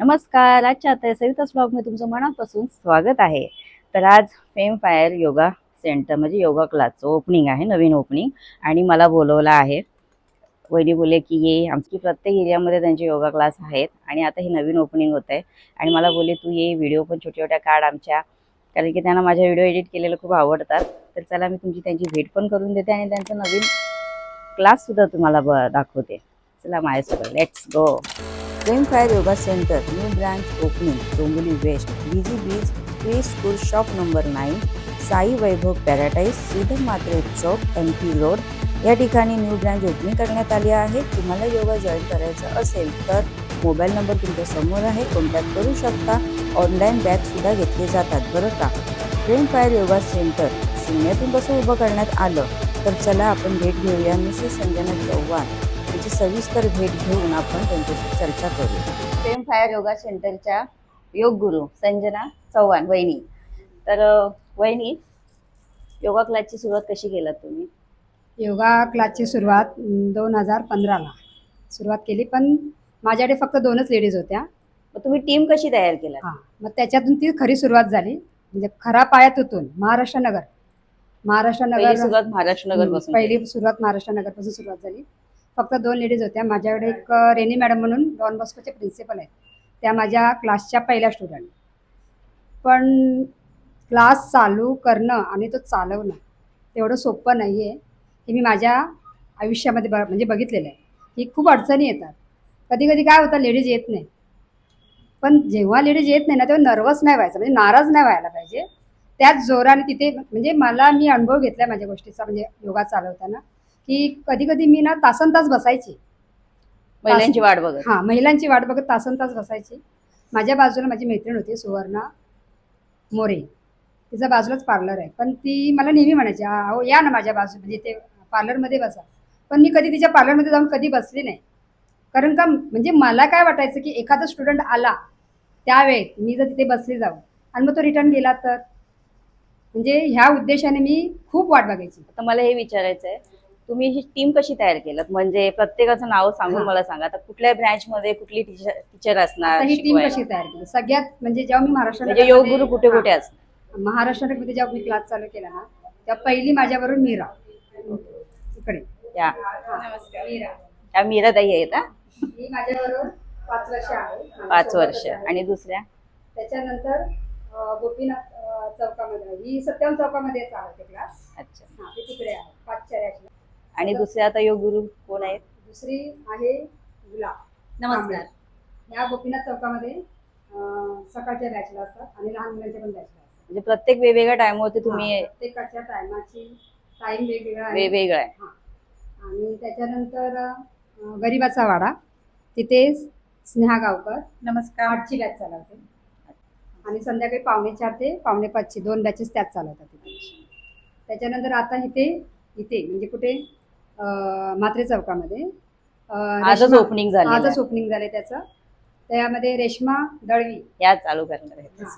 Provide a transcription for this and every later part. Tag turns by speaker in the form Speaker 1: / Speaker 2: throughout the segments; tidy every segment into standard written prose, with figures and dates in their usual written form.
Speaker 1: नमस्कार. आजच्या आता सविताच ब्लॉगमध्ये तुमचं मनापासून स्वागत आहे. तर आज फेम फायर योगा सेंटर म्हणजे योगा क्लासचं ओपनिंग आहे, नवीन ओपनिंग. आणि मला बोलवलं आहे. वहिनी बोलले की ये, आमची प्रत्येक एरियामध्ये त्यांचे योगा क्लास आहेत आणि आता हे नवीन ओपनिंग होत आहे. आणि मला बोलले तू ये, व्हिडिओ पण छोट्या छोट्या काढ आमच्या, कारण की त्यांना माझ्या व्हिडिओ एडिट केलेलं खूप आवडतात. तर चला मी तुमची त्यांची भेट पण करून देते आणि त्यांचा नवीन क्लाससुद्धा तुम्हाला दाखवते. चला माझ्यासोबत, let's go. Fame fire yoga centre, new branch opening, Dombivli west, BG beach, pre school, shop number 9, Sai Vaibhav paradise, Shridhar Matre chowk, MP road. या ठिकाणी न्यू ब्रांच ओपनिंग करण्यात आली आहे. तुम्हाला योगा जॉईन करायचं असेल तर मोबाईल नंबर तुमच्या समोर आहे, कॉन्टॅक्ट करू शकता. ऑनलाईन बॅचसुद्धा घेतले जातात बरं का. फेम फायर योगा सेंटर शून्यातून कसं उभं करण्यात आलं, तर चला आपण भेट घेऊया. मिसेस संजना चव्हाण त्याची सविस्तर भेट घेऊन आपण त्यांच्याशी चर्चा करू. फेम फायर योगा सेंटरच्या योग गुरु संजना चव्हाण वहिनी. तर वहिनी, योगा क्लासची सुरुवात कशी केलात तुम्ही?
Speaker 2: योगा क्लासची सुरुवात 2015ला सुरुवात केली, पण माझ्याकडे फक्त 2च लेडीज होत्या.
Speaker 1: मग तुम्ही टीम कशी तयार केला?
Speaker 2: मग त्याच्यातून ती खरी सुरुवात झाली, म्हणजे खरा पायातून महाराष्ट्र नगर
Speaker 1: पहिली सुरुवात महाराष्ट्र नगर पासून.
Speaker 2: पहिली सुरुवात महाराष्ट्र नगर पासून सुरुवात झाली. फक्त 2 लेडीज होत्या. माझ्याकडे एक रेनी मॅडम म्हणून डॉन बॉस्कोचे प्रिन्सिपल आहेत, त्या माझ्या क्लासच्या पहिल्या स्टुडंट. पण क्लास चालू करणं आणि तो चालवणं तेवढं सोपं नाही आहे, हे मी माझ्या आयुष्यामध्ये म्हणजे बघितलेलं आहे की खूप अडचणी येतात. कधी कधी काय होतं, लेडीज येत नाही. पण जेव्हा लेडीज येत नाही ना, तेव्हा नर्वस नाही व्हायचं, म्हणजे नाराज नाही व्हायला पाहिजे. त्याच जोराने तिथे म्हणजे मी अनुभव घेतला माझ्या गोष्टीचा, म्हणजे योगा चालवताना, की कधी कधी मी ना तासनतास बसायची,
Speaker 1: महिलांची वाट बघत.
Speaker 2: महिलांची वाट बघत तासनतास बसायची. माझ्या बाजूला माझी मैत्रीण होती सुवर्णा मोरे, तिचा बाजूलाच पार्लर आहे. पण ती मला नेहमी म्हणायची, अहो या ना माझ्या बाजू, म्हणजे ते पार्लरमध्ये बसा. पण मी कधी तिच्या पार्लरमध्ये जाऊन कधी बसली नाही. कारण का, म्हणजे मला काय वाटायचं की एखादा स्टुडंट आला त्यावेळेत मी जर तिथे बसली जाऊ आणि मग तो रिटर्न गेला तर, म्हणजे ह्या उद्देशाने मी खूप वाट बघायची.
Speaker 1: आता मला हे विचारायचं आहे, तुम्ही ही टीम कशी तयार केलं? म्हणजे प्रत्येकाचं नाव सांगून मला सांगा. आता कुठल्या ब्रँच मध्ये कुठली टीचर असणार?
Speaker 2: ही टीम कशी तयार केली? सगळ्यात म्हणजे जेव्हा मी महाराष्ट्र
Speaker 1: म्हणजे योग गुरु कुठे कुठे असणार?
Speaker 2: महाराष्ट्रामध्ये जेव्हा मी क्लास चालू केला ना, तेव्हा पहिली माझ्याबरोबर मीरा इकडे.
Speaker 1: या मीरा ताई आहेत ना?
Speaker 2: ही माझ्याबरोबर 5 वर्ष आहे.
Speaker 1: 5 वर्ष. आणि दुसऱ्या?
Speaker 2: त्याच्यानंतर गोपीनाथ चौकामध्ये, ही सत्यम चौकामध्ये चालते क्लास.
Speaker 1: अच्छा,
Speaker 2: ते तिकडे आहे 5च्या रॅकला.
Speaker 1: आणि दुसऱ्या आता योग गुरु कोण आहेत?
Speaker 2: दुसरी आहे गुलाब.
Speaker 1: नमस्कार.
Speaker 2: या गोपीनाथ चौकामध्ये सकाळच्या बॅचला असतात आणि लहान मुलांच्या पण बॅचला असतात.
Speaker 1: म्हणजे प्रत्येक वेगवेगळ्या टाइमवरती तुम्ही?
Speaker 2: प्रत्येकाच्या टायमाची टाइम
Speaker 1: वेगवेगळा आहे.
Speaker 2: आणि त्याच्यानंतर गरिबाचा वाडा, तिथे स्नेहा गावकर नमस्कार 8ची बॅच चालवते. आणि संध्याकाळी 4:45 ते 5:45 2 बॅचेस त्याच चालवतात तिथे. त्याच्यानंतर आता इथे म्हणजे कुठे, म्हात्रे चौकामध्ये
Speaker 1: आजच ओपनिंग
Speaker 2: झाले त्याचं. त्यामध्ये रेश्मा दळवी
Speaker 1: या चालू करणार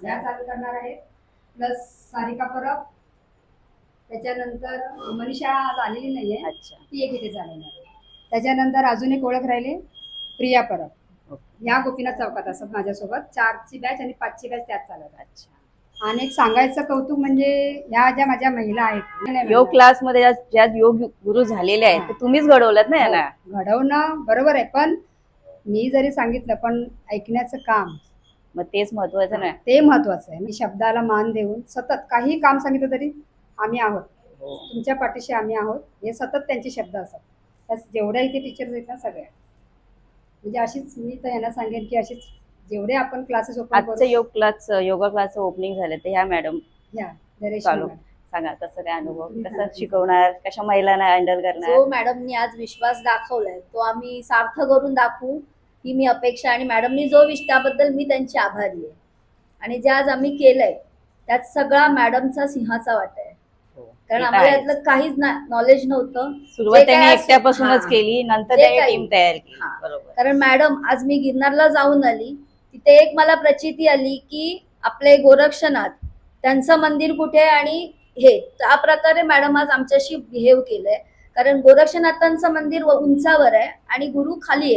Speaker 2: आहेत, प्लस सारिका परब. त्याच्यानंतर मनीषा झालेली नाहीये.
Speaker 1: अच्छा,
Speaker 2: ती एक इथे चालवणार आहे. त्याच्यानंतर अजून एक ओळख राहिले, प्रिया परब. या गोपीनाथ चौकात असतात माझ्यासोबत. 4ची बॅच आणि 5ची बॅच त्यात चालवतात. अच्छा. आणि एक सांगायचं कौतुक म्हणजे ह्या ज्या माझ्या महिला आहेत
Speaker 1: योग क्लास मध्ये ज्या योग गुरु झालेले आहेत, ते तुम्हीच घडवलात ना याला?
Speaker 2: घडवणं बरोबर आहे, पण मी जरी सांगितलं पण ऐकण्याचं काम,
Speaker 1: मग तेच महत्वाचं ना.
Speaker 2: ते महत्वाचं आहे. मी शब्दाला मान देऊन सतत काही काम सांगितलं तरी आम्ही आहोत, तुमच्या पाठीशी आम्ही आहोत, हे सतत त्यांचे शब्द असतात. जेवढ्या इथे टीचर्स आहेत ना सगळ्या, म्हणजे अशीच मी तर यांना सांगेन की अशीच जेवढे आपण क्लासेस
Speaker 1: आजचं योगा क्लास ओपनिंग झाले, तर ह्या मॅडम चालू सांगा कसं काय अनुभव, कसं शिकवणार, कशा महिलांना हँडल करणार?
Speaker 3: जो मॅडमनी आज विश्वास दाखवलाय तो आम्ही सार्थ करून दाखवू ही मी अपेक्षा. आणि मॅडमनी जो त्याबद्दल मी त्यांची आभारी आहे. आणि जे आज आम्ही केलंय त्यात सगळा मॅडमचा सिंहाचा वाटा आहे. कारण आम्हाला यातलं काहीच नॉलेज नव्हतं.
Speaker 1: सुरुवात त्यांनी एकट्यापासूनच केली, नंतर टीम तयार केली. बरोबर.
Speaker 3: कारण मॅडम आज मी गिरनारला जाऊन आली, तिथे एक मला प्रचिती आली की आपले गोरक्षनाथ त्यांचं मंदिर कुठे आहे, आणि हे त्या प्रकारे मॅडम आज आमच्याशी बिहेव केलंय. कारण गोरक्षनाथांचं मंदिर उंचावर आहे आणि गुरु खाली आहेत.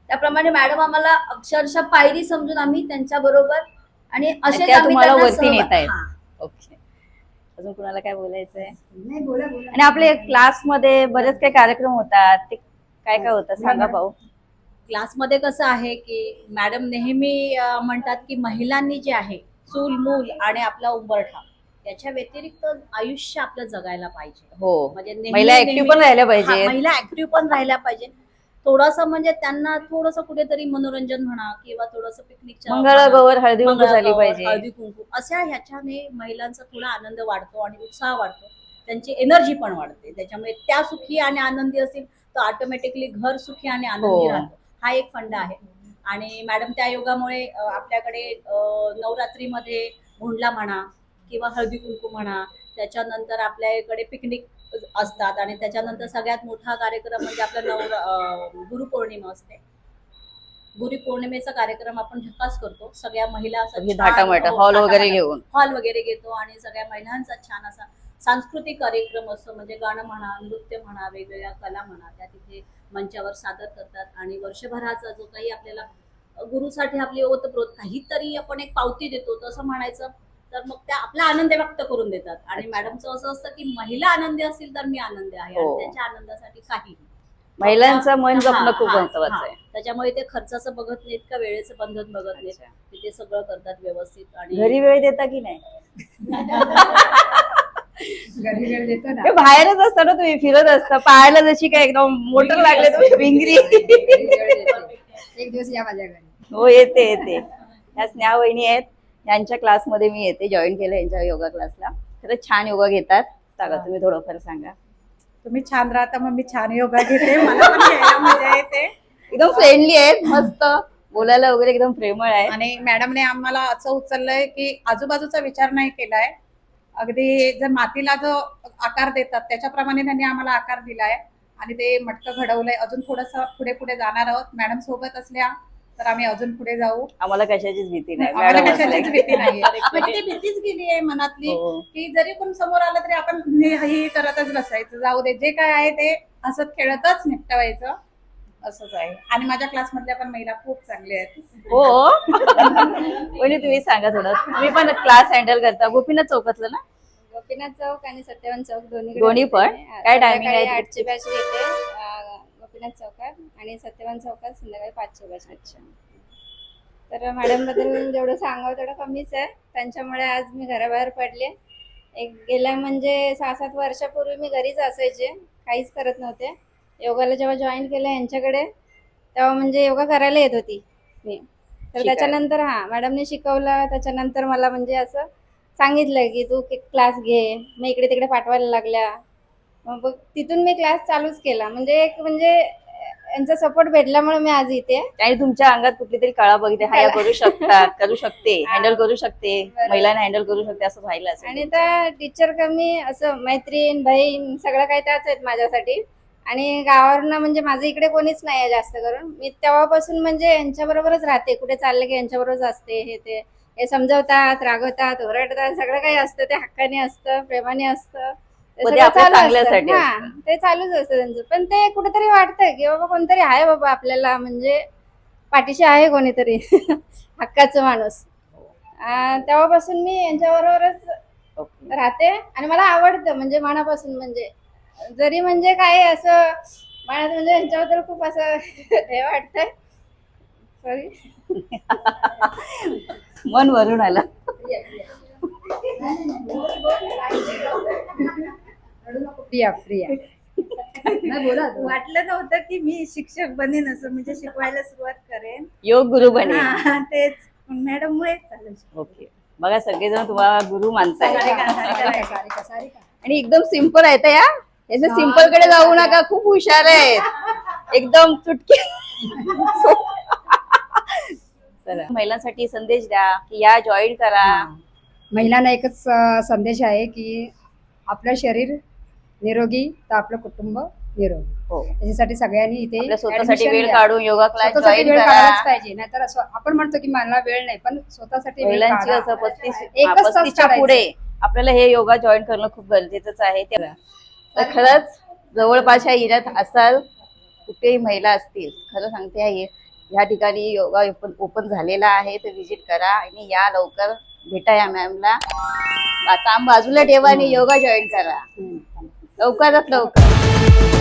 Speaker 3: त्याप्रमाणे मॅडम आम्हाला अक्षरशः पायरी समजून आम्ही त्यांच्या बरोबर आणि असेच
Speaker 1: त्या
Speaker 3: आम्ही
Speaker 1: तुम्हाला
Speaker 3: त्यांना
Speaker 1: वरती नेतायत.
Speaker 3: हा.
Speaker 1: ओके, अजून कुणाला काय बोलायचंय?
Speaker 2: नाही, बोला बोला.
Speaker 1: आणि आपले क्लासमध्ये बरेच काही कार्यक्रम होतात, ते काय काय होतात सांगा भाऊ.
Speaker 4: क्लासमध्ये कसं आहे की मॅडम नेहमी म्हणतात की महिलांनी जे आहे चूल मूल आणि आपला उंबरठा याच्या व्यतिरिक्त आयुष्य आपलं जगायला पाहिजे.
Speaker 1: हो,
Speaker 4: म्हणजे नेहमी-
Speaker 1: महिला ऍक्टिव्ह
Speaker 4: नेहमी-
Speaker 1: पण राहिल्या
Speaker 4: हा,
Speaker 1: पाहिजे.
Speaker 4: महिला ऍक्टिव्ह पण राहिल्या पाहिजे. थोडंसं म्हणजे त्यांना थोडंसं कुठेतरी मनोरंजन म्हणा किंवा थोडंसं पिकनिकच्या
Speaker 1: मंगळागौर हळदी कुंकू झाली
Speaker 4: मंगळागौर,
Speaker 1: पाहिजे.
Speaker 4: हळदी कुंकू अशा ह्याच्याने महिलांचा थोडा आनंद वाढतो आणि उत्साह वाढतो, त्यांची एनर्जी पण वाढते. त्याच्यामुळे त्या सुखी आणि आनंदी असतील तर ऑटोमॅटिकली घर सुखी आणि आनंदी
Speaker 1: हो.
Speaker 4: राहतो. हा एक फंड आहे. आणि मॅडम त्या योगामुळे आपल्याकडे नवरात्रीमध्ये भोंडला म्हणा किंवा हळदी कुंकू म्हणा, त्याच्यानंतर आपल्याकडे पिकनिक असतात आणि त्याच्यानंतर सगळ्यात मोठा कार्यक्रम म्हणजे आपला गुरुपौर्णिमा असते. गुरुपौर्णिमेचा कार्यक्रम आपण झकास करतो. सगळ्या महिला असं
Speaker 1: सगळी
Speaker 4: छान-
Speaker 1: थाटामाटा
Speaker 4: हो,
Speaker 1: हॉल वगैरे
Speaker 4: थाटामाटा.
Speaker 1: घेऊन.
Speaker 4: हॉल वगैरे घेतो आणि सगळ्या महिलांचा छान असा सांस्कृतिक कार्यक्रम असतो. म्हणजे गाणं म्हणा, नृत्य म्हणा, वेगवेगळ्या कला म्हणा, त्या तिथे मंचावर सादर करतात. आणि वर्षभराचा जो काही आपल्याला गुरुसाठी आपली ओतप्रोत काहीतरी आपण एक पावती देतो तसं म्हणायचं, तर मग त्या आपला आनंद व्यक्त करून देतात. आणि
Speaker 1: अच्छा.
Speaker 4: मॅडमचं असं असतं की महिला आनंदी असतील तर मी आनंदी आहे.
Speaker 1: हो.
Speaker 4: आणि त्यांच्या आनंदासाठी काही
Speaker 1: महिलांचं मन जपणं
Speaker 4: हा,
Speaker 1: खूप
Speaker 4: हा,
Speaker 1: महत्वाचं
Speaker 4: हा.
Speaker 1: आहे.
Speaker 4: त्याच्यामुळे ते खर्चाचं बघत नाहीत का वेळेचं बंधन बघत नाहीत.
Speaker 1: अच्छा.
Speaker 4: ते सगळं करतात व्यवस्थित. आणि
Speaker 1: घरी वेळ देता की नाही?
Speaker 2: घरी वेळ देतो ना.
Speaker 1: हे बाहेरच असता ना तुम्ही, फिरत असता पाहायला, जशी काय एकदम मोटर लागले तुम्ही भिंगरी.
Speaker 2: घरी वेळ देते. एक दिवस या माझ्या घरी.
Speaker 1: हो, येते येते. ह्या स्नेहा वहिनी आहेत, यांच्या क्लासमध्ये मी येते, जॉईन केलं यांच्या योगा क्लासला. खरंच छान योगा घेतात. सांगा तुम्ही, थोडंफार सांगा.
Speaker 5: तुम्ही छान राहता मग मी छान योगा घेते. मला पण घ्यायला मजा येते.
Speaker 1: एकदम फ्रेंडली आहेत, मस्त बोलायला वगैरे एकदम प्रेमळ आहे.
Speaker 5: आणि मॅडमने आम्हाला असं उचललंय की आजूबाजूचा विचार नाही केलाय. अगदी जर मातीला जो आकार देतात त्याच्याप्रमाणे त्यांनी आम्हाला आकार दिलाय आणि ते मटकं घडवलंय. अजून थोडंसं पुढे पुढे जाणार आहोत. मॅडम सोबत असल्या तर आम्ही अजून पुढे जाऊ.
Speaker 1: आम्हाला कशाचीच भीती नाही,
Speaker 5: आम्हाला
Speaker 1: मॅडम
Speaker 5: कशाचीच
Speaker 1: असल्या.
Speaker 5: भीती नाहीये. म्हणजे ती भीतीच गेली आहे मनातली
Speaker 1: हो.
Speaker 5: की जरी कोण समोर आलं तरी आपण हे करतच बसायचं, जाऊ दे जे काय आहे ते हसत खेळतच निपटवायचं, असंच आहे. आणि माझ्या क्लासमधल्या पण महिला खूप चांगल्या आहेत.
Speaker 1: हो. म्हणजे तुम्ही सांगा थोडं, तुम्ही पण क्लास हँडल करता गोपीनाथ चौकातलं ना?
Speaker 6: गोपीनाथ चौक आणि सत्यवान चौक
Speaker 1: दोन्ही पण? काय timing आहे?
Speaker 6: 8ची बॅच येते गोपीनाथ चौकात आणि सत्यवान चौकात संध्याकाळी 5ची बॅच.
Speaker 1: अच्छा.
Speaker 6: तर मॅडम बद्दल जेवढं सांगावं तेवढं कमीच आहे. त्यांच्यामुळे आज मी घराबाहेर पडले. गेल्या म्हणजे 6-7 वर्षापूर्वी मी घरीच असायचे, काहीच करत नव्हते. योगाला जेव्हा जॉईन केलं यांच्याकडे तेव्हा म्हणजे योगा करायला येत होती मी. तर
Speaker 1: शिकायला.
Speaker 6: त्याच्यानंतर मॅडमने शिकवलं. त्याच्यानंतर मला म्हणजे असं सांगितलं की तू क्लास घे. मग इकडे तिकडे पाठवायला लागल्या. मग तिथून मी क्लास चालूच केला. म्हणजे यांचा सपोर्ट भेटल्यामुळे मी आज इथे.
Speaker 1: आणि तुमच्या अंगात कुठली तरी कळा बघितली, हा या करू शकतात, करू शकते, हँडल करू शकते,
Speaker 6: बरोबर.
Speaker 1: महिलांना हँडल करू शकते असं व्हायला असेल.
Speaker 6: आणि त्या टीचर कमी असं मैत्रीण बहीण सगळं काही त्याच आहेत माझ्यासाठी. आणि गावावरनं म्हणजे माझं इकडे कोणीच नाही आहे जास्त करून. मी तेव्हापासून म्हणजे यांच्याबरोबरच राहते. कुठे चालले की यांच्याबरोबरच असते. हे समजवतात, रागवतात, ओरडतात, सगळं काही असतं. ते हक्काने असतं, प्रेमाने असतं. ते
Speaker 1: मग ते
Speaker 6: सगळं
Speaker 1: आपल्या
Speaker 6: चालू असतं.
Speaker 1: चांगल्यासाठी
Speaker 6: हा,
Speaker 1: असतं.
Speaker 6: ते चालूच असतं त्यांचं. पण ते कुठेतरी वाटतं की बाबा कोणतरी आहे बाबा आपल्याला, म्हणजे पाठीशी आहे कोणीतरी हक्काचं माणूस. तेव्हापासून मी यांच्याबरोबरच
Speaker 1: ओके.
Speaker 6: राहते आणि मला आवडतं म्हणजे मनापासून. म्हणजे जरी म्हणजे काय असं मनात म्हणजे यांच्याबद्दल खूप असं हे वाटतंय. सॉरी.
Speaker 1: मन भरून आलं.
Speaker 2: प्रिया प्रिया. नाही, बोला तू.
Speaker 5: वाटलं नव्हतं की मी शिक्षक बनेन, असं म्हणजे शिकवायला सुरुवात करेन.
Speaker 1: योग गुरु बने.
Speaker 5: तेच मॅडम मुळे चालेल.
Speaker 1: ओके. बघा सगळेजण तुम्हाला गुरु मानताय.
Speaker 2: सारिका.
Speaker 1: आणि एकदम सिंपल आहेत या. याचं सिंपल कडे जाऊ नका, खूप हुशार आहेत एकदम चुटकी. चला, महिलांसाठी संदेश द्या की या जॉईन करा.
Speaker 2: महिलांना एकच संदेश आहे की आपलं शरीर निरोगी तर आपलं कुटुंब निरोगी.
Speaker 1: हो,
Speaker 2: त्याच्यासाठी सगळ्यांनी इथे
Speaker 1: आपल्या स्वतःसाठी
Speaker 2: admission
Speaker 1: वेळ
Speaker 2: घ्या.
Speaker 1: काढून योगा क्लास
Speaker 2: स्वतःसाठी
Speaker 1: जॉईन
Speaker 2: वेळ
Speaker 1: करा.
Speaker 2: काढायलाच पाहिजे. नाहीतर असं आपण म्हणतो की मला वेळ नाही, पण स्वतःसाठी वेळ
Speaker 1: महिलांची
Speaker 2: काढा.
Speaker 1: असं 35
Speaker 2: एकच तास
Speaker 1: 35च्या
Speaker 2: काढायचं.
Speaker 1: पुढे आपल्याला हे योगा जॉईन करणं खूप गरजेचंच आहे. तर खरंच जवळपासच्या एरियात असाल, कुठेही महिला असतील, खरं सांगते या ठिकाणी योगा ओपन झालेला आहे, तर विजिट करा आणि या लवकर भेटा या मॅमला. काम बाजूला ठेवा आणि योगा जॉईन करा लवकरात लवकर.